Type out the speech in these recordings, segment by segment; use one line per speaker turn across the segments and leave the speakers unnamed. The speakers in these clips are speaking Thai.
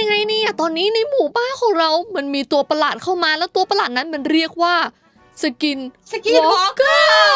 ยังไงเนี่ยตอนนี้ในหมู่บ้านของเรามันมีตัวประหลาดเข้ามาแล้วตัวประหลาดนั้นมันเรียกว่าสกิน
วอล์กเกอร์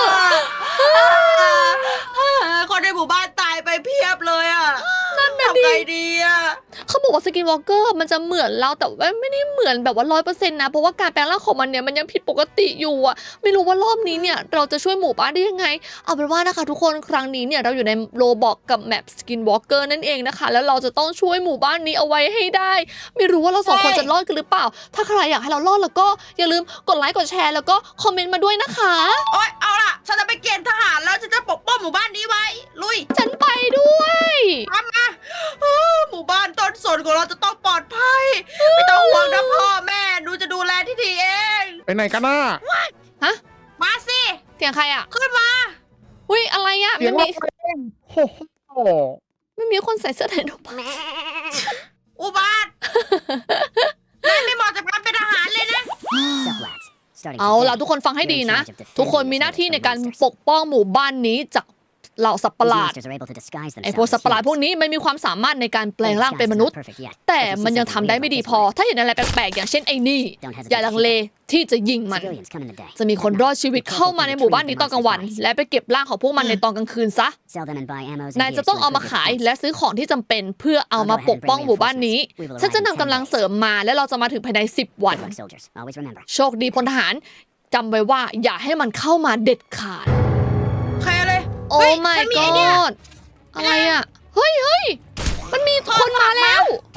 คนในหมู่บ้านตายไปเพียบเลยอ่ะนั่นน่ะดิทำไงดีอ่ะ
เขาบอกว่าสกินวอล์กเกอร์มันจะเหมือนเราแต่ว่าไม่ได้เหมือนแบบว่า100%นะเพราะว่าการแปลงร่างของมันเนี่ยมันยังผิดปกติอยู่อ่ะไม่รู้ว่ารอบนี้เนี่ยเราจะช่วยหมู่บ้านได้ยังไงเอาเป็นว่านะคะทุกคนครั้งนี้เนี่ยเราอยู่ในโรบอกกับแมปสกินวอล์กเกอร์นั่นเองนะคะแล้วเราจะต้องช่วยหมู่บ้านนี้เอาไว้ให้ได้ไม่รู้ว่าเราสองคนจะรอดกันหรือเปล่าถ้าใครอยากให้เรารอดแล้วก็อย่าลืมกดไลค์กดแชร์แล้วก็คอมเมนต์มาด้วยนะคะ
โอ๊ยเอาล่ะฉันจะไปเกณฑ์ทหารแล้วฉันจะปกป้องหมู่บ้านนี้ไว้ลุย
ฉันไปด้วย
ทำมาหมู่บ้านต้นสนของเราจะต้องปลอดภัยไม่ต้องห่วงนะพ่อแม่หนูจะดูแลที่ดีเอง
ไปไหนกันน่ะ
ฮะ
มาสิ
เสียงใครอ่ะ
ขึ้นมา
อุ้ยอะไรอ่ะ
เสียง
ไม่
เรา
มี
เองโอ้โห
ไม่มีคนใส่เสื้อไทยนก
อุบาทไม่เหมาะกับการเป็นทหารเลยนะ
เอาล่ะทุกคนฟังให้ดีนะ ทุกคนมีหน้าที่ในการปกป้องหมู่บ้านนี้จากเหล่าสัตว์ประหลาดไอ้พวกสัตว์ประหลาดพวกนี้มันมีความสามารถในการแปลงร่างเป็นมนุษย์ แต่มันยังทำได้ไม่ดีพอ ถ้าเห็นอะไรแปลกๆอย่างเช่นไอ้นี่อย่าลังเลที่จะยิงมัน จะมีคนรอดชีวิตเข้ามาในหมู่บ้านนี้ตอนกลางวัน และไปเก็บร่างของพวกมันในตอนกลางคืนซะนายจะต้องเอามาขายและซื้อของที่จำเป็นเพื่อเอามาปกป้องหมู่บ้านนี้ฉันจะนำกำลังเสริมมาและเราจะมาถึงภายใน10 วันโชคดีพลทหารจำไว้ว่าอย่าให้มันเข้ามาเด็ดขาด
ใครเลย
โอ้
เฮ้ย
my
ฉันมีไอเดีย
god อะไรอ่ะเฮ้ยมันมีคนมาแล้ว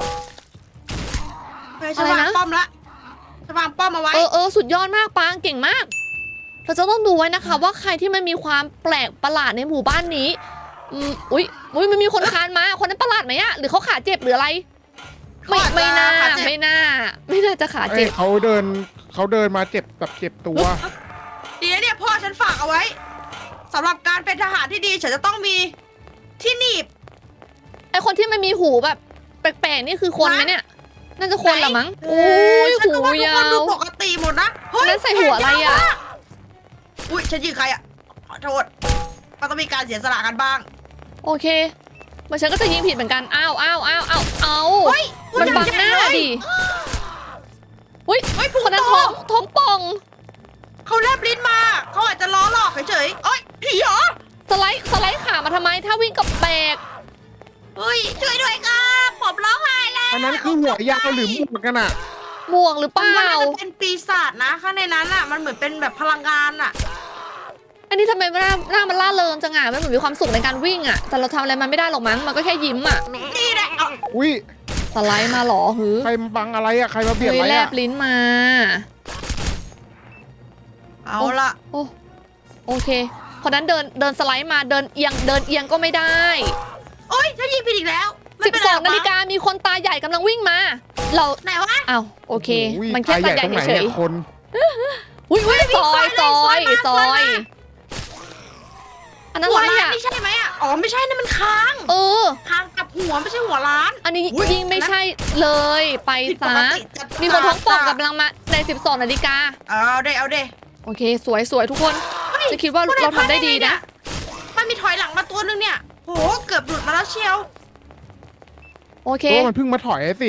ไปฉันวางป้อมละฉันวางป้อมเอาไว้
สุดยอดมากปางเก่งมาก เราจะต้องดูไว้นะคะว่าใครที่มันมีความแปลกประหลาดในหมู่บ้านนี้อุ๊ยมันมีคนคานมาคนนั้นประหลาดไหมอะหรือเขาขาเจ็บหรืออะไรไม่น่าจะขาเจ็บ
เขาเดินมาเจ็บแบบเจ็บตัว
ดีนะเนี่ยพ่อฉันฝากเอาไว้สำหรับการเป็นทหารที่ดีฉันจะต้องมีที่หนีบ
ไอคนที่มันมีหูแบบแปลกๆนี่คือคนไหมเนี่ยน่าจะคนละมั้ง
โอ้
ย
ฉัน
หู
ก็ว่าทุก
ยา
คนดู
ว
ปกติหมดนะเฮ้ย
นั่นใส่หัวอะไรอะ
แขนยาวมากอุ้ยฉันยิงใครอะขอโทษมันต้องมีการเสียสละกันบ้าง
โอเคมันฉันก็จะยิงผิดเหมือนกันอ้าว
เฮ้ย
มันบังหน้าดิอุ้ย
เฮ้ยพุง
คนนั้น
โต
ท้องป่อง
เขาแลบลิ้นมาเขาอาจจะล้อหลอกเฉยๆเอ้ยผีเหรอ
สไลด์ขามาทำไมถ้าวิ่งกับแบก
เฮ้ยช่วยด้วยครับผมร้องไห้แล้ว
อันนั้นคือหัวยาวหรือหมวกกันอ่ะ
ม่วงหรือเป
มัน
ล่า
น่าจะเป็นปีศาจนะข้างในนั้นอ่ะมันเหมือนเป็นแบบพลังงานอ่ะ
อันนี้ทำไมหน้ามันล่าเริงจังอ่ะมันเหมือนมีความสุขในการวิ่งอ่ะแต่เราทำอะไรมันไม่ได้หรอกมั้งมันก็แค่ยิ้มอ่ะ
นี่แหละเอา
อุ้ย
สไลด์มาหรอหือ
ใครมาบังอะไรอ่ะใครมาเบียด
เฮ้ย
อะไร
แล
อ่ะ
บลิ้นมา
เอาละ
โอเคคนนั้นเดินสไลด์มาเดินเอียงก็ไม่ได้
โอ๊ยฉันยิงผิดอีกแล้วไม่เป็นไรหรอก
12 นาฬิกามีคนตาใหญ่กำลังวิ่งมา เรา
ไหนวะ
อ้าวโอเค
อุ้ย
มันแค่ตาใหญ่
ตรงไหน
เฉ
เนี่ย ยคน
อุ้ยซอยอันนั้น
หัว
อะไร
ล้าน
อ่ะ
นี่ใช่ไหมอ่ะอ๋อไม่ใช่นะมันค้าง
เออ
ค้างกับหัวไม่ใช่หัวล้าน
อันนี้
อุ๊ย
ยิงไม่ใช่เลยไป
ผิดป
ซะ
กติจัด
มีคนท้องป่องกำลังมาใน12 นาฬิกา
เอาเด้
โอเคสวยทุกคนจะคิดว่าเราทำได้ดีนะ
มันมีถอยหลังมาตัวนึงเนี่ยโหเกือบหลุดมาแล้วเชียว
โอเค
เพราะว่ามันเพิ่งมาถอยสิ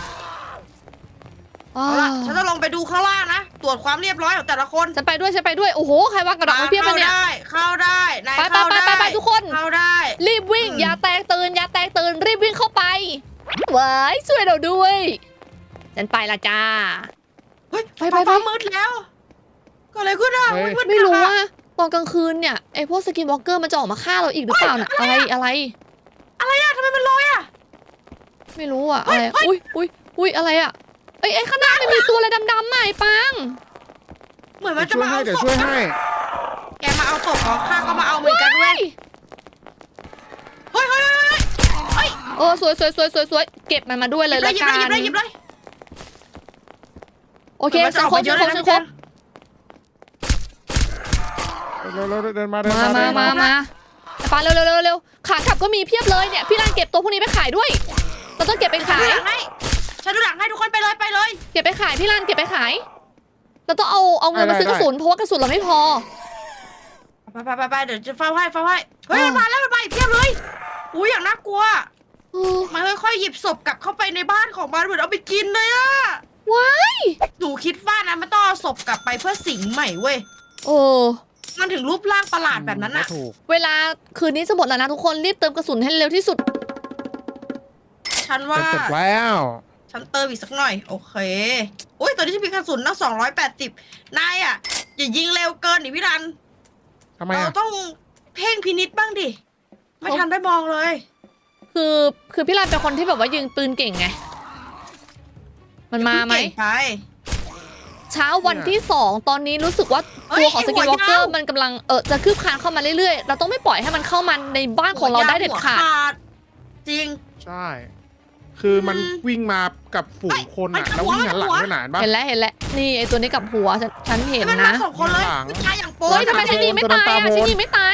อ้า
เอาล่ะ
ว
ฉันจะลงไปดูข้างล่างนะตรวจความเรียบร้อยของแต่ละคน
ฉันไปด้วยโอ้โหใครวางกระดาษไว้เพียบเลยเนี่ย
เข้าได้นาย
ไป
เข้าได้
ไปทุกคน
เข้าได้
รีบวิ่งอย่าแตกตื่นรีบวิ่งเข้าไปว้ายช่วยเราด้วยฉันไปละจ้า
เฮ้ย
ไป
ฟ้ามืดแล้วก็อะไรขึ้นอ่ะ
เฮ้ย
มืด
ไม่รู้
อะ
ว่าตอนกลางคืนเนี่ยไอพวกสกินวอล์กเกอร์มันจะออกมาฆ่าเราอีกหรือเปล่าน่ะอะไร
อะไรอ่ะทำไมมันลอยอ่ะ
ไม่รู้อ่ะ
เฮ้
อะไร
ยเฮ้ย
อุ้ยอะไรอ่ะไอ้ข้างหน้ามันมีตัวอะไรดำๆมาไอ้ปัง
เหมือนมันจะ
ช่วย
มา
ให้
เอา
เดี๋ยว
ศพ
ช่วยให้
แกมาเอาศพของข้าก็มาเอาเหมือนกันเว้ยเฮ้ย
สวยเก็บมันมาด้วยเลยละ
หยิบ
กัน
เลยหยิบเลย
โอเคฉันครบ
เยอะเลยนะ
เราเดินมา
มาไอ้ปังเร็วขากลับก็มีเพียบเลยเนี่ยพี่รันเก็บตัวพวกนี้ไปขายด้วยเราต้องเก็บไป
ฉัน
ขาย
ดูหลังให้ทุกคนไปเลย
เก็บไปขายพี่รันเก็บไปขายเราต้องเอาเงินมาซื้อกระสุนเพราะว่ากระสุนเราไม่พอ
ไปเดี๋ยวจะเฝ้าให้เฮ้ยมันมาแล้วมันมาอีกเพียบเลยอุ้ยอย่างน่ากลัวมันค่อยๆหยิบศพกลับเข้าไปในบ้านของมันเหมือนเอาไปกินเลยอะ
ว้าย
หนูคิดว่านะมันต้องเอาศพกลับไปเพื่อสิงใหม่เว้ย
โอ้
มันถึงรูปร่างประหลาดแบบนั้นอะ
ถูก
เวลาคืนนี้จะหมดแล้วนะทุกคนรีบเติมกระสุนให้เร็วที่สุด
ฉันว่า
จะเสร็จแล้ว
ฉันเติมอีกสักหน่อย โอเคโอ้ยตอนนี้ฉันมีกระสุนตั้ง280นายอะอย่ายิงเร็วเกินดิพี่รัน
ทำไม
เรา
อ่ะ
ต้องเพ่งพินิจบ้างดิ ไม่ทันได้มองเลย
คือพี่รันเป็นคนที่แบบว่ายิงปืนเก่งไง มันมาไหม
เก่งไป
เช้าวันที่ 2 ตอนนี้รู้สึกว่าตัวของสกินวอล์กเกอร์มันกำลังจะคืบคลานเข้ามาเรื่อยๆ เราต้องไม่ปล่อยให้มันเข้ามาในบ้านของเราได้เด็ดขาด
จริง
ใช่ คือมัน
อืม
วิ่งมากับฝูงคนอ่ะ
เฮ้ย
แล้ววิ่งหันหลัง
หัว
ด้วยหนานปะ
เห็นแล้วนี่ไอตัวนี้กับหัวฉันเห็น
มันมา
นะ
สองคนเลย
หลัง
ไม่ตายอย่างโป๊
เฮ้ย
ย
ทำไมฉันยิงไม่ตายอ่ะฉันยิงไม่ตาย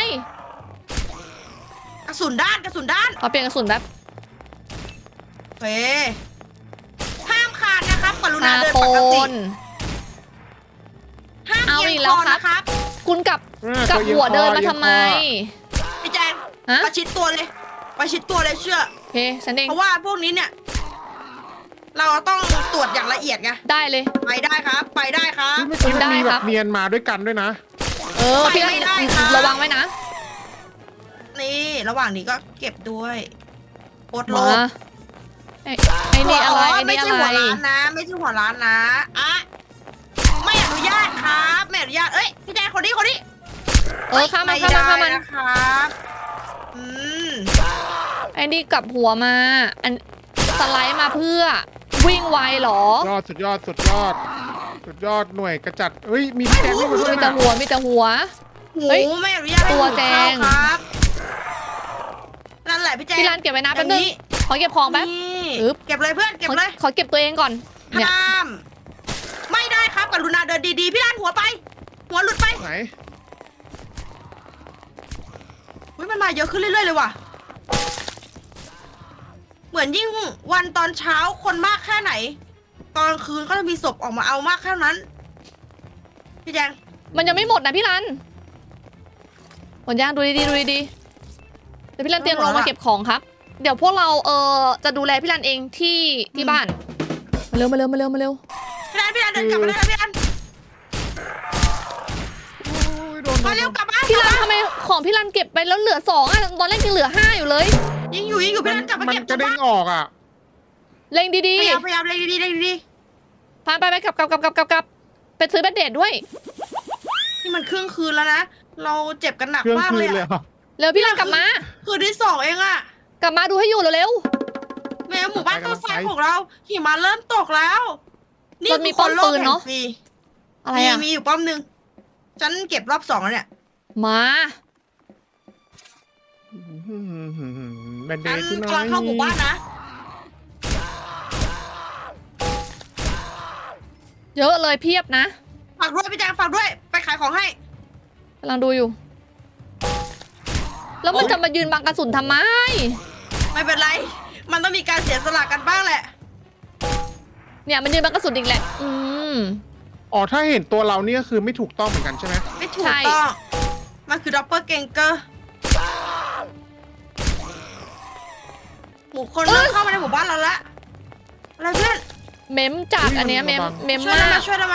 กระสุนด้านกระสุนด้าน
ขอเปลี่ยนกระสุนแบบ
เฮ้ห้ามขาดนะครับกรุณา
ตา
เดิน
โป
ปกติ
น
ห้าม
เอา
เอี
อี
ย
ก
ง
แล้
คว อ
ครับ
นะครับ
คุณกับ
ตัวเอียง
หัวเดินมา
คอ
ทำไม
พี่แจง
ฮะ
ประชิดตัวเลยประชิดตัวเลยเชื่อ
โอเคฉันเอง
เพราะว่าพวกนี้เนี่ย เราต้องตรวจอย่างละเอียดไง
ได้เลย
ไปได้ครับ ไปได้ครับ
เมื่อกี้มันมี
ได้
แบ
ครับ
บเนียนมาด้วยกันด้วยนะ
พี่
ไม่ได้ค่ะ
ระวังไว้นะ
นี่ระหว่างนี้ก็เก็บด้วยโคตรโล
มา
บ
ไอ้นี่อะไรไอ้
ไม่
นี่
ใช่
อะ
หั
ไร
วร้านนะ ไม่ใช่หัวร้านนะอะไม่อนุญาตครับไม่อนุญาตเอ้ยพี่แจงคนนี้
ข้ามมัน
ไม่
ข้ามมันข้าม
ได้
มัน
นะครับอืม
ไอ้นี่กลับหัวมา อันสไลด์มาเพื่อวิ่งไวเหรอ
สุดยอดหน่วยกระจัดเฮ้ยมีพี่แจงด้วย
มี
ด้วย
แต่
นะ
หัวมีแต่หัว
หู
เฮ้ย
ไม่อนุญาตให้
ตัว
หู
แจ
เข้าง ครับนั่นแหละพี่แจง
พี่รันเก็บไว้นะแป๊บนึงขอเก็บของแป๊บ
นี่
อึ๊บ
เก็บเลยเพื่อนเก็บเลย
ขอเก็บตัวเองก่อนเนี่ย
ห้ามไม่ได้ครับกรุณาเดินดีๆพี่รันหัวไป หัวหลุดไป
ไหน
เฮ้ยมันมาเยอะขึ้นเรื่อยๆเลยว่ะ เหมือนยิ่งวันตอนเช้าคนมากแค่ไหน ตอนกลางคืนก็จะมีศพออกมาเอามากแค่นั้น พี่แจง
มันยังไม่หมดนะพี่รันหมดย่างดูดีๆดูดีๆเดี๋ยวพี่รันเตรียมลงมาเก็บของครับ เดี๋ยวพวกเราจะดูแลพี่รันเองที่บ้านมาเร็ว
พี่รันเดินกลับมาเลยนะพี่รัน
โอ้ยโดน
มาเร็วกลับมา
พี่รันทำไมของพี่รันเก็บไปแล้วเหลือ2อ่ะตอนแรกยังเหลือ5อยู่เลย
ยิงอยู่พี่รันกลับมา
มัน
เก็บ
กระเด้งออกอ่ะ
เล็งดี
พยายามเลยดี
ๆพานไปกลับไปซื้อแบนเดดด้วย
ๆนี่มันครึ่งคืนแล้วนะ เราเจ็บกันหนัก
เครื่อง
มาก
คื
เล
น
ย
เลย
อะ
เหรอ
เร็วพี่รันกลับมา
คืนที่2เองอะ
กลับมาดูให้อยู่เร็ว
แม่หมู่บ้านต้นไทรของเราหิมะเริ่มตกแล้ว
มันมีป้อมปืนเนอะ
มี
ๆอะไรอ่ะ
มีอยู่ป้อมหนึ่งฉันเก็บรอบ2แล้วเนี่ย
มา
แบนเด
ฉัน
ดที่ไหน
กำลังเข้าหมู่บ้านนะ
เยอะเลยเพียบนะ
ฝากด้วยพี่แจงฝากด้วยไปขายของให้
กำลังดูอยู่ แล้วมันจะมายืนบังกระสุนทำไม
ไม่เป็นไร มันต้องมีการเสียสละกันบ้างแหละ
เนี่ยมันยืนบังกระสุนอีกแหละ
อ๋อถ้าเห็นตัวเราเนี่ยคือไม่ถูกต้องเหมือนกันใช่ไหม
ไม่ถูกต้อง มันคือดับเบิลเกงเกอร์หมู่คนเริ่มเข้ามาในหมู่บ้านเราละอะไรเพื่อน
เมมจัดอันเนี้ยเมม
ช่วย
มา
เรา
ก
ช่วยเรา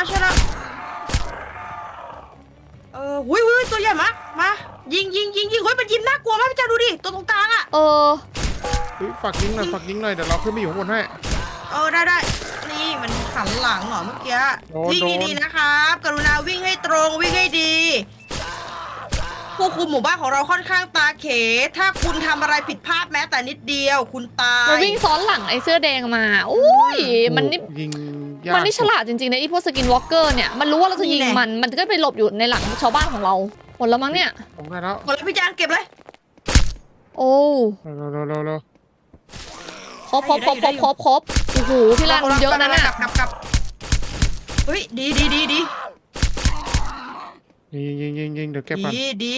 หุยตัวใหญ่มายิงเฮ้ยมันยิงน่ากลัวมากพี่แจงดูดิตัวตรงกลางอะ
เออ
เฮ้ยฝากยิงหน่อยเดี๋ยวเราขึ้นไปอยู่ข้างบนให้
ได้นี่มันหันหลังเหรอเมื่อกี้
โดน
วิ่งดีๆนะครับกรุณาวิ่งให้ตรงวิ่งให้ดีผู้คุมหมู่บ้านของเราค่อนข้างตาเขถ้าคุณทำอะไรผิดพลาดแม้แต่นิดเดียว คุณตาย
มันวิ่งซ้อนหลังไอ้เสื้อแดงมาอุ้ยมันนี่
ยิงยาก
มันนี่ฉลาดจริงๆนะไอ้พวกสกินวอล์กเกอร์เนี่ย มันรู้ว่าเราจะยิงมันก็ไปหลบอยู่ในหลังชาวบ้านของเราหมดแล้วมั้งเนี่ย
ผมได้แล้ว
หมดแล้วพี่แจงเก็บเลย
โอ้
เร็ว
ครบโอ้โหพี่รันเยอะนะน่ะ
กลับเฮ้ยดี
ยิงเดี๋ยวเก็บก่อน
ดี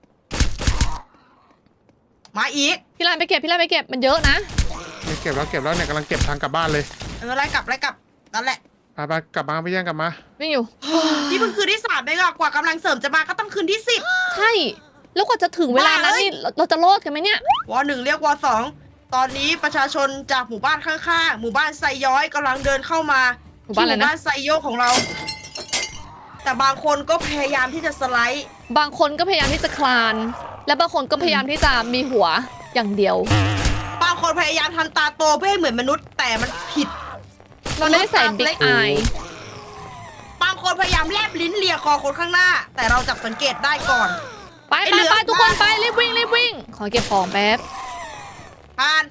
มาอีก
พี่รันไปเก็บมันเยอะนะ
เก็บแล้วเนี่ยกำลังเก็บทางกลับบ้านเลย
ไล่กลับนั่นแหละ
ไปกลับมาไปย่างกลับมา
วิ่งอยู่
นี่เพิ่งคืนที่3เองอะกว่ากำลังเสริมจะมาก็ต้องคืนที่10
ใช่แล้วกว่าจะถึงเวลานั้น
บ้าเอ้ย
นี่เราจะรอดกันไหมเนี่ย
วอ1เรียกวอ2 ตอนนี้ประชาชนจากหมู่บ้านข้างๆหมู่บ้านไซย้อยกำลังเดินเข้ามา
หมู่บ้านอะไรนะ
ที่หมู่บ้านไซโยกของเรา แต่บางคนก็พยายามที่จะสไลด์
บางคนก็พยายามที่จะคลาน และบางคนก็พยายามที่จะมีหัวอย่างเดียว
บางคนพยายามทำตาโตเพื่อให้เหมือนมนุษย์แต่มันผิด
มันไม่ได้ใส่บิ๊กอาย
บางคนพยายามแลบลิ้นเลียคอคนข้างหน้า แต่เราจับสังเกตได้ก่อน
ไป
ไอ้
ไป
เหลือ
ไปทุกคนไปรีบวิ่งรีบวิ่ง ขอเก็บของแป๊บ
ผ่าน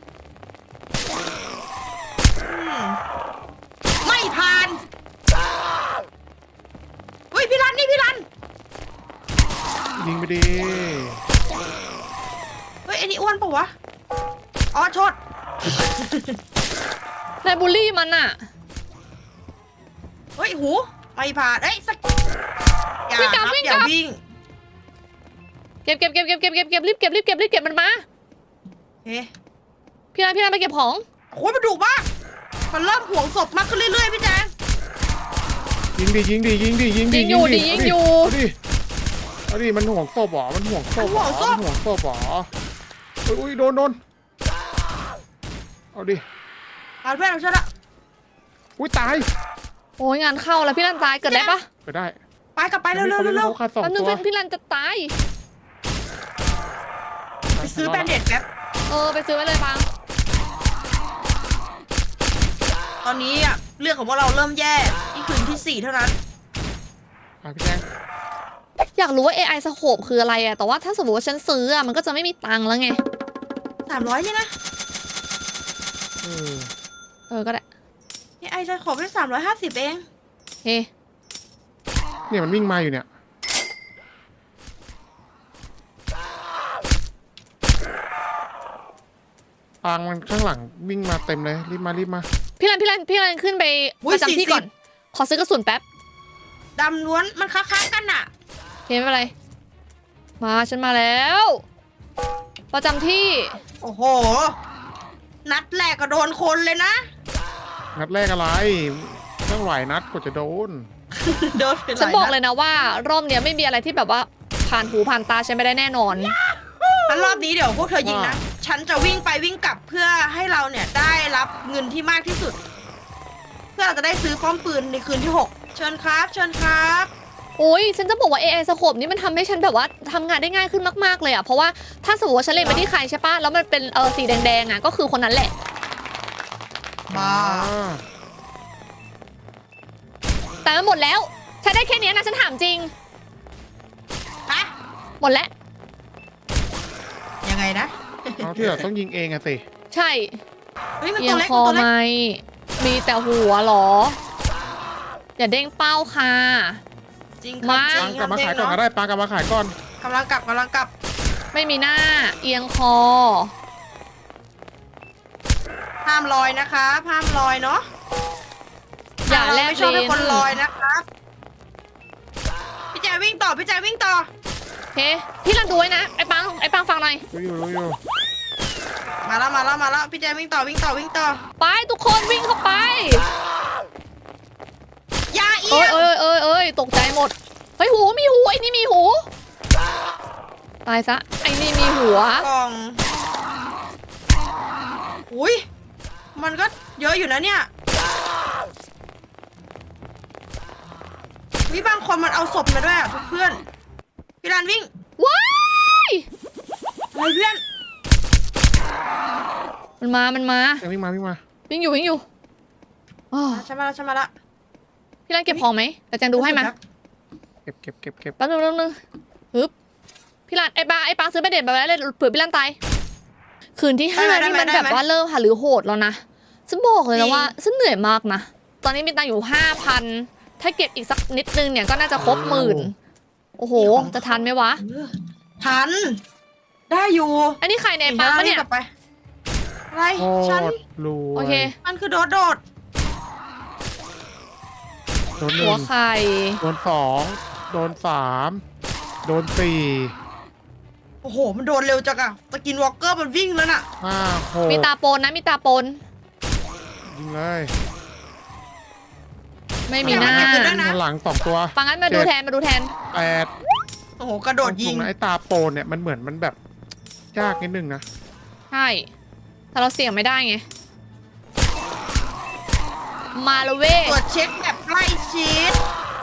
ไม่ผ่านเฮ้ยพี่รันนี่พี่รัน
ยิงไปดี
เฮ้ยไอ้นี่อ้วนปะวะอ๋อโทษ
นายบูลลี่มันอะ
เฮ้ยหูไม่ผ่านเอ้ยสักอย่า
วิ่งก
ค
ลั
รั
บบ วิ่ง
อก ย่า
ลับ
วิ่ง
เก็บรีบเก็บมันมา
เฮ้ย
พี่นายไปเก็บของ
โอ้ยมันดุมากมันเริ่มห่วงศพมากขึ้นเรื่อยๆพี่แจง
ยิงดิยิงดิยิงดิยิงดิ
ยิงอยู่ดิยิงอยู่
เอาดิมันห่วงศพเหรอมันห่วงศพเหรอมันห่วงศพเหรออุ้ยโดนเอาดิ
เอาเพื่อนเราช่วยละ
อุ้ยตาย
โอ้ยงานเข้าแล้วพี่รันตายเกิดได้ปะ
ไปได้
ไปกลับไปเร็ว
เขาขาดสอง
แป๊บนึง
ตัว
พี่รันจะตาย
ๆไปซื้อแบนเด็ดแป๊บ
ไปซื้อไว้เลยปัง
ตอนนี้อะเรื่องของพวกเราเริ่มแย่นี่คืนที่ 4 เท่านั้น
พี่แจง
อยากรู้ว่า AI สโคปคืออะไรอะแต่ว่าถ้าสมมติว่าฉันซื้ออะมันก็จะไม่มีตังค์แล้วไง
300เนี่ยนะ
ก็ได้
นี่ไอจะขอไป350เอง
เฮ้
เนี่ยมันวิ่งมาอยู่เนี่ยปางมันข้างหลังวิ่งมาเต็มเลยรีบมา
พี่รันขึ้นไปประจำที่ก่อน ขอซื้อกระสุนแป๊บ
ดำล้วนมันค้าๆกันน่ะ
เฮ้ไม่เป็นไร มาฉันมาแล้ว ประจำที่
โอ้โห นัดแรกก็โดนคนเลยนะ
นัดแรกอะไรต้องหลายนัดกว่าจะโดน
โดนไปห
ฉัน
ลาย
บอก
นัด
เลยนะว่ารอบเนี้ยไม่มีอะไรที่แบบว่าผ่านหูผ่านตาฉันไม่ได้แน่นอน
งั้นรอบนี้เดี๋ยวพวกเธอยิงนะ ฉันจะวิ่งไปวิ่งกลับเพื่อให้เราเนี่ยได้รับเงินที่มากที่สุด เพื่อเราจะได้ซื้อป้อมปืนในคืนที่ 6 เชิญครับ เชิญครับ
โอ้ยฉันจะบอกว่า AI สโคปนี้มันทำให้ฉันแบบว่าทำงานได้ง่ายขึ้นมากๆเลยอะเพราะว่าถ้าสมมติว่าฉันเล็งไปที่ใครใช่ปะแล้วมันเป็นสีแดงๆอะก็คือคนนั้นแหละ
บ้า
แต่มันหมดแล้วใช้ได้แค่เนี้ยนะฉันถามจริง
ฮะ
หมดแล้ว
ยังไงนะ
เอาที่เราต้องยิงเองอะสิ
ใช่
เฮ้ยมัน
เอี
ตั
ยว ง
เล็ก
คอ
มันตัว
ไหม
เล็ก
มีแต่หัวเหรอ อย่าเด้งเป้าค่ะ
จริง
มา
จริ
ปาง
ง
กลับมา
เด็
ขาย
ก
ก่อนก็
เนาะ
ได้ปางกลับมาขายก่อน
กำลังกลับ
ไม่มีหน้า เอียงคอ
ห้ามลอยนะคะห้ามลอยเนาะ
อย่าแลบ
ไม่ชอบ
ลิ้
ให้
น
คนลอยนะครับ พี่แจวิ่งต่อ พี่แจวิ่งต่อ
โอเคพี่รันดูไว้นะไอ้ปังฟังหน่อย
รู้อยู่
มาแล้วพี่แจวิ่งต่อ
ไปทุกคนวิ่งเข้าไป
อย่าเอี
เอ้
ย
ย
ง
เอ้ยตกใจหมด เฮ้ยหูมีหูไอ้นี่มีหู ตายซะไอ้นี่มีหัว
กล่อง อุ้ยมันก็เยอะอยู่นะเนี่ยวิบางคนมันเอาศพมาด้วยอ่ะเพื่อน พี่รันวิ่ง
ว้าย
อะไรเพื่อน
มันมา
ยังวิ่งมา
วิ่งอยู่อ้อ
ฉันมาละ
พี่รันเก็บของไหมแต่แจงดูให้มา
เก็บ
แป๊บนึงฮึบพี่รันไอ้ปังซื้อไปเด็ดแบบนั้นเลยเผื่อพี่รันตายคืนที่5นี่มันแบบว่าเริ่มหาหรือโหดแล้วนะฉันบอกเลยนะว่าฉันเหนื่อยมากนะตอนนี้มีตังค์อยู่ 5,000 ถ้าเก็บอีกสักนิดนึงเนี่ยก็น่าจะครบ10,000โอ้โหจะทันไหมวะ
ทัน ได้อยู่
อันนี้ใครในปังปะเนี่ย
กลับไปอะไร
โค
ฉัน
ตรรวย
โอเค
มันคือโดด
โดนห
หั
นึ่
ว
ง
ไข่
โดน2โดน3โดน4
โอ้โห มันโดนเร็วจังอะสกินวอล์กเกอร์มันวิ่งแล้วน่ะ
5 6
มีตาปนนะมีตาปน
ยิงเลย
ไม่มีหน้า
เก็บเงินด้วยนะ
ข้างหลัง2ตัว
ปังงั้นมาดูแทน
8
โอ้โห กระโดดยิง
ไอ้ตาโปนเนี่ยมันเหมือนมันแบบยากนิดนึงนะ
ใช่แต่เราเสี่ยงไม่ได้ไงมาแล้วเว้ย
ตรวจเช็คแบบใกล้ชิด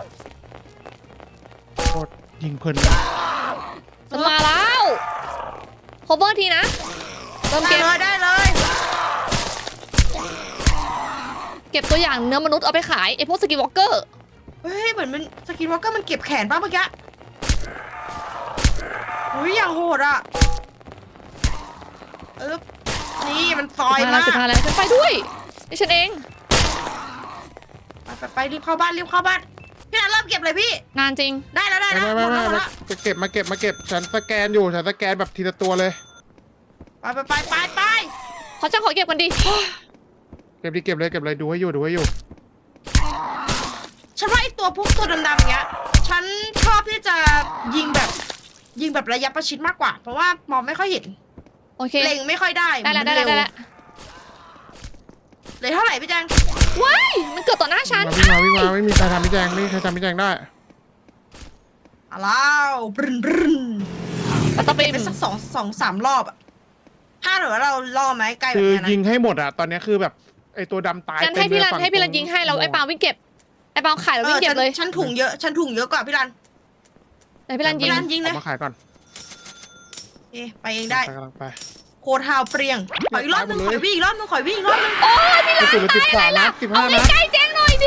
โคตรยิงเพลิน
จะมาแล้วโคเวอร์ทีนะเริ่ม
ได้
เก็บ
เลยได้เลย
เก็บตัวอย่างเนื้อมนุษย์เอาไปขายไอพวกสกิวอล์กเกอร์
เฮ้ยเหมือนมันสกินวอล์กเกอร์มันเก็บแขนป่ะเมื่อกี้อุ้ยอย่างโหดอ่ะนี่มันซอยมาก
15 แล้วฉันไปด้วยนี่ฉันเอง
ไปรีบเข้าบ้านรีบเข้าบ้านพี่นันเริ่มเก็บเลยพี่
งานจริง
ได้แล้วได้แล้วหมดแล้วหมดแล้ว
จะเก็บมาเก็บฉันสแกนอยู่ฉันสแกนแบบทีละตัวเลย
ไป
ขอเก็บกันดิ
เก็บเลยดูให้อยู่
ฉันว่าไอพวกตัวดำๆเงี้ยฉันชอบที่จะยิงแบบระยะประชิดมากกว่า เพราะว่ามองไม่ค่อยเห็น
โอเค
เล็งไม่ค่อยได้
ได้แล้ว
มันเร็ว
แล้ว
เลยเท่าไหร่พี่แจง
ว้ายมันเกิดต่อหน้าฉัน
วิ่งมาไม่มีใครทำพี่แจงไม่มีใครทำพี่แจงได้
อ้าวบรึน
ปัตตะปิม
เป็นสักสองสามรอบอะถ้าหรือว่าเราล่อไหมไกลแบบ
คือ
นี้นะ
ยิงให้หมดอะตอนนี้คือแบบไอตัวดำตาย
งั้นให้พี่รัน
เต็มเลย
ให้พี่รันยิงให้เราไอ้ปาวิ่งเก็บไอ้ปาขายเราวิ่งเก็บเลย
ฉันถุงเยอะกว่าพี่รัน
ไหนพี่รันยิง
พี่รันยิงเลย
เอามาขายก่อน
เอ๊ะไปเองได้
กำลังไป
โคทาวเปรียงขออีกรอบนึง
ไป
ข
หมด
อ
เลย
วิ่งอีกรอบนึงขอวิ่งอีกรอบนึง
โอ้ยพี่รัน
กระสุนเหลือ
ตายอะไร
13
ล่ะ
นัด15
เอา
นัด
ใกล้ๆแจ้งหน่อยดิ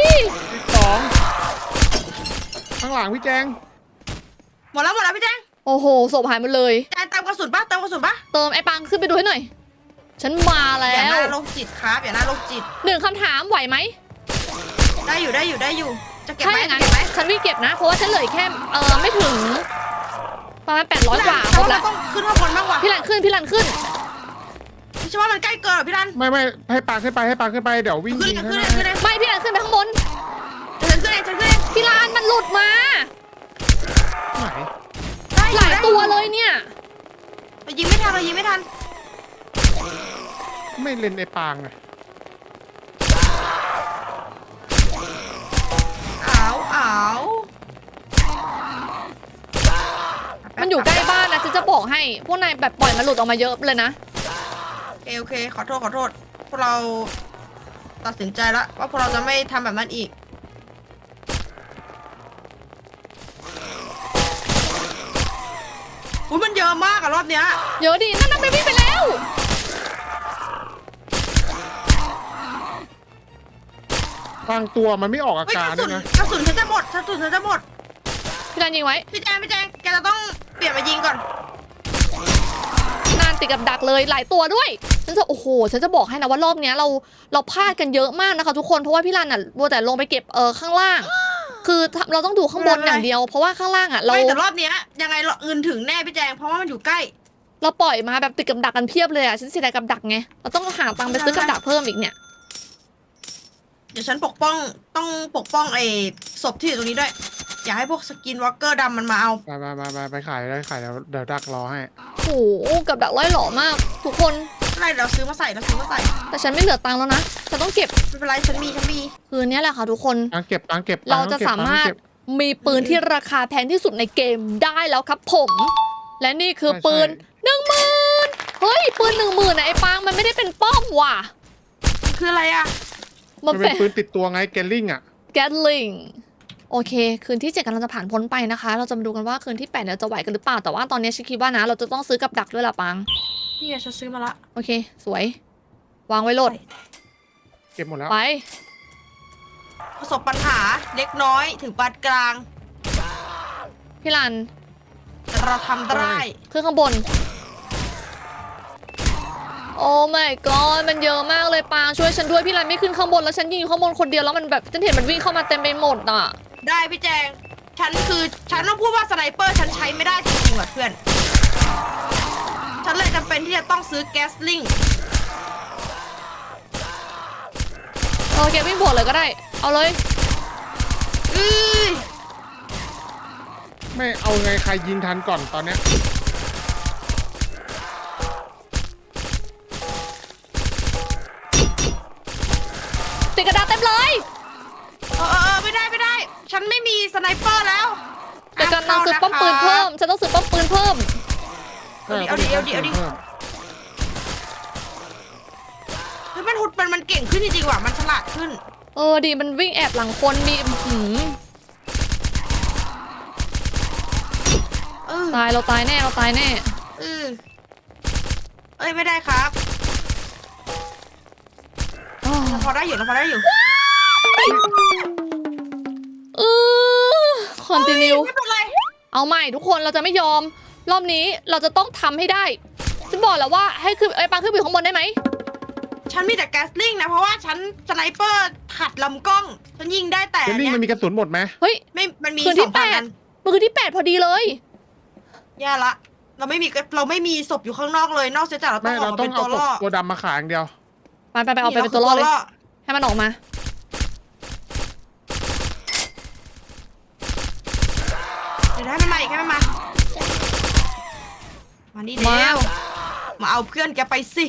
12ข้างหลังพี่แจง
หมดแล้วพี่แจง
โอ้โหศพหายหมดเลย
แจงเติมกระสุนปะ
เติมไอ้ปังขึ้นไปดูให้หน่อย ฉันมาแล้
อย่าหน้าว โรคจิตครับอย่าหน้าโรคจิต
1 คำถามไหวไหม
ได้อยู่จะเก็บ
ถ้า
ไหม
อย่าง
จะ
นั้น
เก็บไหม
ฉันวิ่งเก็บนะ เพราะว่าฉันเหลือแค่ไม่ถึงประมาณ800 กว่าหมด
เรา
ละ
ต้องขึ้นข้างบนบ้างว่ะ
พี่รันขึ้น
พี่ว่ามันใกล้เกินเหรอพี่รัน
ไม่ให้ปางขึ้นไปเดี๋ยววิ่ง
ขึ้น
ยิง
เลย
ให้
ขึ้นเลย
ไม่พี่รันขึ้นไปข้างบน
ฉันขึ้นเอง
พี่รันมันหลุดมา
ไหน
หลายตัวเลยเนี่ย
เรายิงไม่ทัน
ไม่เล่นไอปางอะ
อ้าว
มันอยู่ใกล้บ้านนะฉันจะบอกให้ พวกนายแบบปล่อยมันหลุดออกมาเยอะเลยนะ
โอเคขอโทษพวกเราตัดสินใจแล้วว่าพวกเราจะไม่ทำแบบนั้นอีกอุ้ยมันเยอะมากอะรอบเนี้ย
เยอะดีนั่นไปวิ่งไปแล้ว
บางตัวมันไม่ออกอา
เฮ้ย
การ
ก
ด้วยนะ
ระสุนฉันจะหมด
พี่รันยิงไว้
พี่แจงแกจะต้องเปลี่ยนมายิงก่อน
นานติดกับดักเลยหลายตัวด้วย ฉันจะบอกให้นะว่ารอบเนี้ยเราพลาดกันเยอะมากนะคะทุกคน เพราะว่าพี่รันอ่ะมัวแต่ลงไปเก็บข้างล่าง คือเราต้องดูข้างบนอย่างเดียว เพราะว่าข้างล่างอ่ะเรา
ไม่แต่รอบเนี้ยยังไงเงินถึงแน่พี่แจงเพราะว่ามันอยู่ใกล้
เราปล่อยมาแบบติดกับดักกันเพียบเลยอ่ะฉันเสียดายกับดักไงเราต้องหาตังค์ไปซื้อกับดักเพิ่มอีกเนี่ย
เดี๋ยวฉันต้องปกป้องไอ้ศพที่อยู่ตรงนี้ด้วย อย่าให้พวกสกินวอล์กเกอร์ดำมันมาเอา
ไปขายเดี๋ยวดักรอให้
โอ้โหกับดักร้อยหล่อมาก ทุกคน
อะไรเราซื้อมาใส่
แต่ฉันไม่เหลือตังค์แล้วนะฉันต้องเก็บ
ไม่เป็นไรฉันมี
คืนนี้แหละค่ะทุกคน
ตังเก็บ
เราจะสามารถมีปืนที่ราคาแพงที่สุดในเกมได้แล้วครับผม และนี่คือปืน 10,000 เฮ้ยปืน 10,000นะไอ้ปังมันไม่ได้เป็นป้อมว่ะ
คืออะไรอะ
มันเป็นปืนติดตัวไงเกลลิงอะ
แกตลิงโอเค คืนที่ 7กำลังจะผ่านพ้นไปนะคะ เราจะมาดูกันว่าคืนที่8เราจะไหวกันหรือเปล่าแต่ว่าตอนนี้ฉันคิดว่านะเราจะต้องซื้อกับดักด้วยล่ะปัง
นี่ไงฉันซื้อมาละ
โอเค สวย วางไว้โหลด
เก็บหมดแล้ว
ไป
ประสบปัญหาเล็กน้อยถึงปานกลาง
พี่รัน
แต่เราทำได้
ขึ้นข้างบน โอ้ my god มันเยอะมากเลยปางช่วยฉันด้วยพี่รันไม่ขึ้นข้างบนแล้วฉันยิงอยู่ข้างบนคนเดียวแล้วมันแบบฉันเห็นมันวิ่งเข้ามาเต็มไปหมดอ่ะ
ได้พี่แจงฉันต้องพูดว่าสไนเปอร์ฉันใช้ไม่ได้จริงๆว่ะเพื่อนฉันเลยจำเป็นที่จะต้องซื้อแก๊สลิง
โอเควิ่งบวกเลยก็ได้ เอาเลย
ไม่เอาไงใครยิงทันก่อนตอนเนี้ย
ติดกระดาษเต็มเลย
ไม่ได้ ฉันไม่มีสไนเปอร์แล้ว
แต่กำลังซื้อป้อมปืนเพิ่มฉันต้องซื้อป้อมปืนเพิ่ม
เอาดิเฮ้ยมันเก่งขึ้นจริงๆว่ะมันฉลาดขึ้น
ดีมันวิ่งแอบหลังคนมีตายเราตายแน่เราตายแน่
เอ้ยไม่ได้ครับเราพอได้อยู่
คอนติเนีย
ไม่เป็นไร
เอาใหม่ทุกคนเราจะไม่ยอมรอบนี้เราจะต้องทำให้ได้ฉันบอกแล้วว่าให้ขึ้นปังขึ้นไปข้างบนได้ไหม
ฉันมีแต่แก๊สลิงนะเพราะว่าฉันสไนเปอร์ขัดลำกล้องฉันยิงได้แต่
แก๊สลิงมันมีกระสุนหมดไหม
เฮ้ย
ไม่มันมี
คืนที่
2,000 นัน
มันคือที่8พอดีเลย
แย่ละเราไม่มีศพอยู่ข้างนอกเลยนอกจากเราต้
ไม่
องอ
เรา
อกมา
ต้อ
เป็
ง
น
เอา
ตัวล่อ
ตัวดำมาขายอย่างเดียว
ไปเอาไปเป็นตัวล่อเลยให้มันออกมา
เดี๋ยวให้มันมาอีกให้มันมานี่เร็วมาเอาเพื่อนแกไปสิ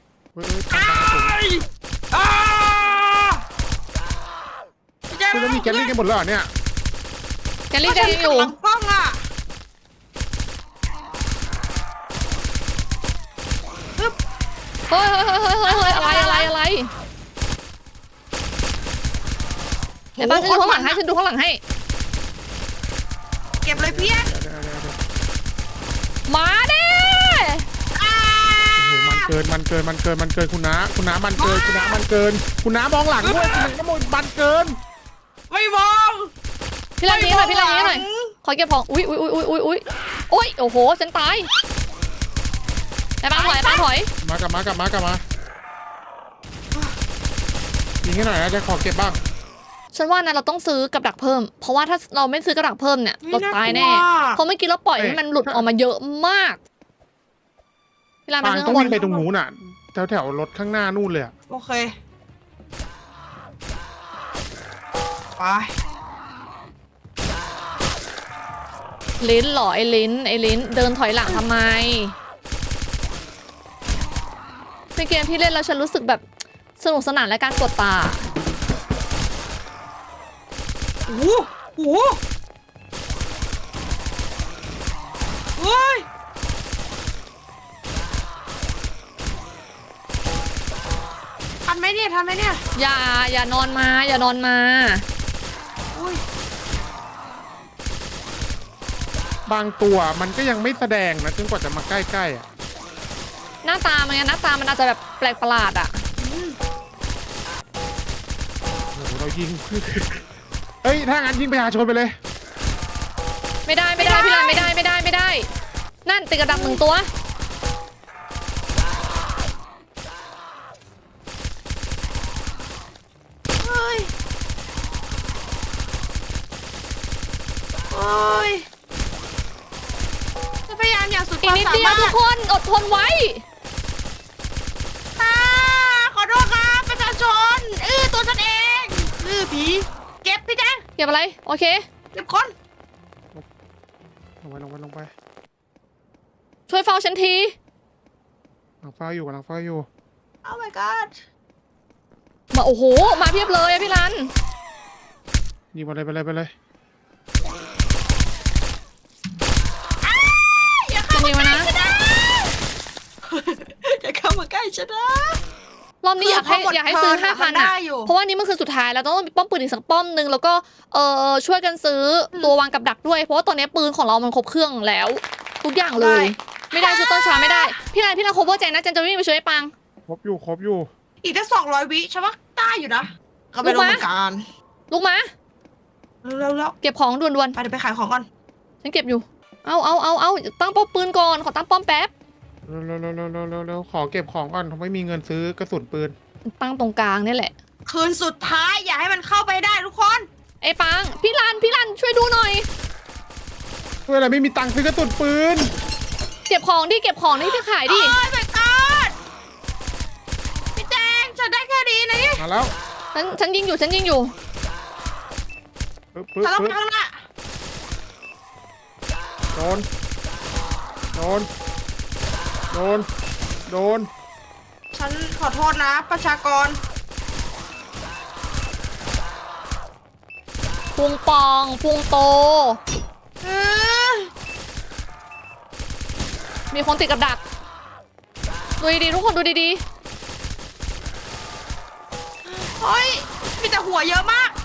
คือแล้วมีแก๊สลิงกันหมดแล้วเหรอเนี่ย
แกลี่จะยังอยู่
ลำกล้องอ่ะ
เฮ้ยอะไรไอ้บ้านฉันดูข้างหลังให้
เก็บเลยเพี้ยน
มาเด้
โอ้โหมันเกินคุณน้าคุณน้ามองหลังด้วยมันเกิน
ไม่มอง
พี่ลานนี้หน่อยขอเก็บของอุ้ยโอ้ยโอ้โหฉันตายไอ้บ้านถอย
มากลับมายิงให้หน่อยนะจะขอเก็บบ้าง
ฉันว่านะเราต้องซื้อกับดักเพิ่มเพราะว่าถ้าเราไม่ซื้อกับดักเพิ่มเนี่ยเราตายแน่เพราะเมื่อกี้เราปล่อยให้มันหลุดออกมาเยอะมากพี่ลาน
ต้องวิ่งไปตรงนู้นน่ะแถวรถข้างหน้านู่นเลย
โอเคไป
ลิ้นหรอไอ้ลิ้นเดินถอยหลังทำไมในเกมที่เล่นแล้วฉันรู้สึกแบบสนุกสนานและการกดตา
โอ้โหเฮ้ยทันไหมเนี่ย
อย่านอนมา
บางตัวมันก็ยังไม่แสดงนะจนกว่าจะมาใกล้ๆอ่ะ
หน้าตามันอาจจะแบบแปลกประหลาดอ่ะ
โอ้โหเรายิงเฮ้ยถ้างั้นยิงประชาชนไปเลย
ไม่ได้พี่ลานไม่ได้นั่นติดกระดับ1ตัว
โอ้ยจะพยายามอย่างสุดความสามารถ
ทุกคนอดทนไว้
ขอโทษครับประชาชนตัวฉันเองผีเก็บพี่แจ๊ค
เก็บอะไรโอเค
เก็บคน
ลงไป
ช่วยเฝ้าฉันที
กำลังเฝ้าอยู่
Oh my god
มาโอ้โหมาเพียบเลยพี่รัน
ยิงไปเลย
อย่าเข้ามาใกล้ฉันนะอย่าเข้ามาใกล้ฉันนะ
รอบนี้อยากให้ซื้อ 5,000 อ่ะเพราะว่านี้มันคือสุดท้ายแล้วต้องมีป้อมปืนอีกสักป้อมนึงแล้วก็ช่วยกันซื้อตัววางกับดักด้วยเพราะว่าตอนนี้ปืนของเรามันครบเครื่องแล้วทุกอย่างเลยไม่ได้ชุดต้นช้าไม่ได้พี่รันโคเวอร์แจงนะจะวิ่งไปช่วยปัง
ครบอยู่
อีกแค่200 วิใช่ปะได้อยู่นะเขาไปลงการ
ลูกมา
เร็ว
เก็บของด่วน
ๆไปเดี๋ยวไปขายของก่อน
ฉันเก็บอยู่เอาตั้งป้อมปืนก่อนขอตั้งป้อมแป๊บ
เร็วขอเก็บของก่อนไม่มีเงินซื้อกระสุนปืน
ตั้งตรงกลางนี่แหละ
คืนสุดท้ายอย่าให้มันเข้าไปได้ทุกคน
ไอ้ปังพี่รันช่วยดูหน่อย
เวลาไม่มีตังค์ซื้อกระสุนปืน
เก็บของนี่ไปขายดิ
โอ้ยไปก่อนพี่แจงฉันได้แค่นี้นะนี่
มาแล้ว
ฉันยิงอยู่
ฉันต้องไปข้างหน้า
โดน
ฉันขอโทษนะประชากร
พุงปองพุงโตมีคนติดกับดักดูดีๆทุกคนดูดี
เฮ้ยมีแต่หัวเยอะมาก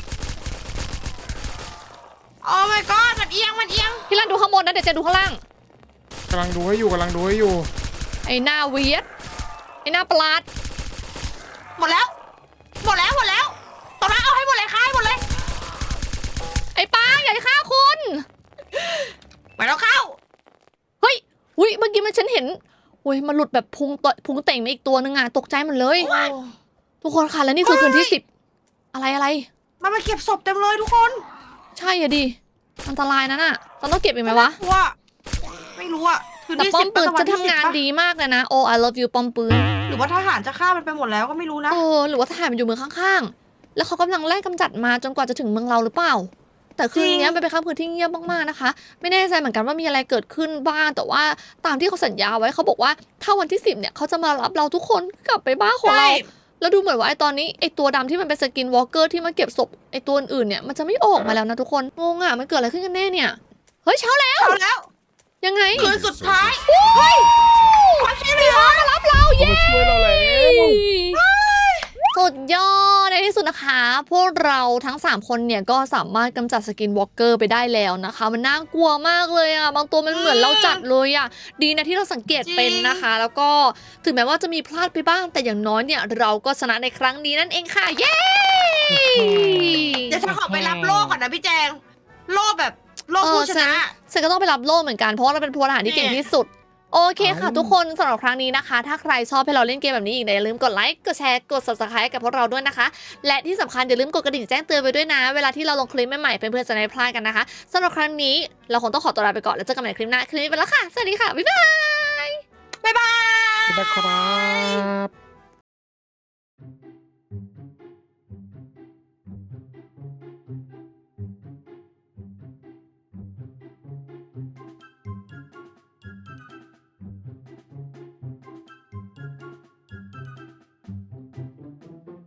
โอ้ my god มันเอียง
พี่ลันดูข้างบนนะเดี๋ยวเจะดูข้างล่าง
กำลังดูให้อยู่กำลังดูให้อยู่
ไอ้หน้าเวียดไอ้หน้าประหลาด
หมดแล้วตอนนั้นเอาให้หมดเลยค่ะให้หมดเลย
ไอ้ป้าอย่าฆ่าคุณ
ไปแล้วเข้า
เฮ้ยอุ้ยเมื่อกี้มันฉันเห็นอุ้ยมันหลุดแบบพุงเต่งมาอีกตัวนึงอ่ะตกใจหมดเลย ทุกคนค่ะแล้วนี่คือคืนที่10อะไร
มันมาเก็บศพเต็มเลยทุกคน
ใช่อะดิอันตรายนะน่ะต้องเก็บอีกไหมวะ
ว่าไม่รู้อะคืน
แต่
ที่
ป้อ
สิ
ม
บ
ปืน
วั
จะ
ที่
ทำงาน
10ปะ
ดีมากเลยนะ I love you ป้อมปืน
หรือว่าทหารจะฆ่ามันไปหมดแล้วก็ไม่รู้นะ
หรือว่าทหารมันอยู่เมืองข้างๆ แล้วเขากำลังไล่กำจัดมาจนกว่าจะถึงเมืองเราหรือเปล่า แต่คืนนี้มันเป็นค่ำคืนที่เงียบมากๆนะคะ ไม่แน่ใจเหมือนกันว่ามีอะไรเกิดขึ้นบ้าง แต่ว่าตามที่เขาสัญญาไว้เขาบอกว่าถ้าวันที่10เนี่ยเขาจะมารับเราทุกคนกลับไปบ้านของเรา แล้วดูเหมือนว่าไอตอนนี้ไอตัวดำที่มันเป็นสกินวอล์กเกอร์ที่มาเก็บศพไอตัวอื่นๆเนี่ยมันจะไม่ออกมาแล้วนะทุกคน งงอ่ะมันเกิดอะไรขึ้นกันแน่เนี่ย เฮ้ยเช้าแล้ว
เอาแล้ว
ยังไง
คืนสุดท้าย
เฮ้ย
ความช่วยเหลือ
มารับเรา
เขา
เย้
มาช่วยเราแล้ว
สุดยอดในที่สุดนะคะ พวกเราทั้ง3คนเนี่ยก็สามารถกำจัดสกินวอล์กเกอร์ไปได้แล้วนะคะ มันน่ากลัวมากเลยอ่ะบางตัวมันเหมือนเราจัดเลยอ่ะดีนะที่เราสังเกตเป็นนะคะ แล้วก็ถึงแม้ว่าจะมีพลาดไปบ้างแต่อย่างน้อยเนี่ยเราก็ชนะในครั้งนี้นั่นเองค่ะเย้
เดี๋ยวฉันขอไปรับโล่ก่อนนะพี่แจง โล่แบบโล่ผู้ชนะ
ฉันก็ต้องไปรับโล่เหมือนกันเพราะว่าเราเป็นพลทหารที่เก่งที่สุดโอเคค่ะทุกคนสำหรับครั้งนี้นะคะ ถ้าใครชอบให้เราเล่นเกมแบบนี้อีกอย่าลืมกดไลค์กดแชร์กด subscribe กับพวกเราด้วยนะคะ และที่สำคัญอย่าลืมกดกระดิ่งแจ้งเตือนไว้ด้วยนะ เวลาที่เราลงคลิปใหม่ๆเพื่อนๆจะได้ไม่พลาดกันนะคะสำหรับครั้งนี้เราคงต้องขอตัวลาไปก่อนแล้วเจอกันใหม่คลิปหน้าคลิปนี้ไปแล้วค่ะสวัสดีค่ะบ๊ายบาย
บ๊ายบาย
สวัสดีครับ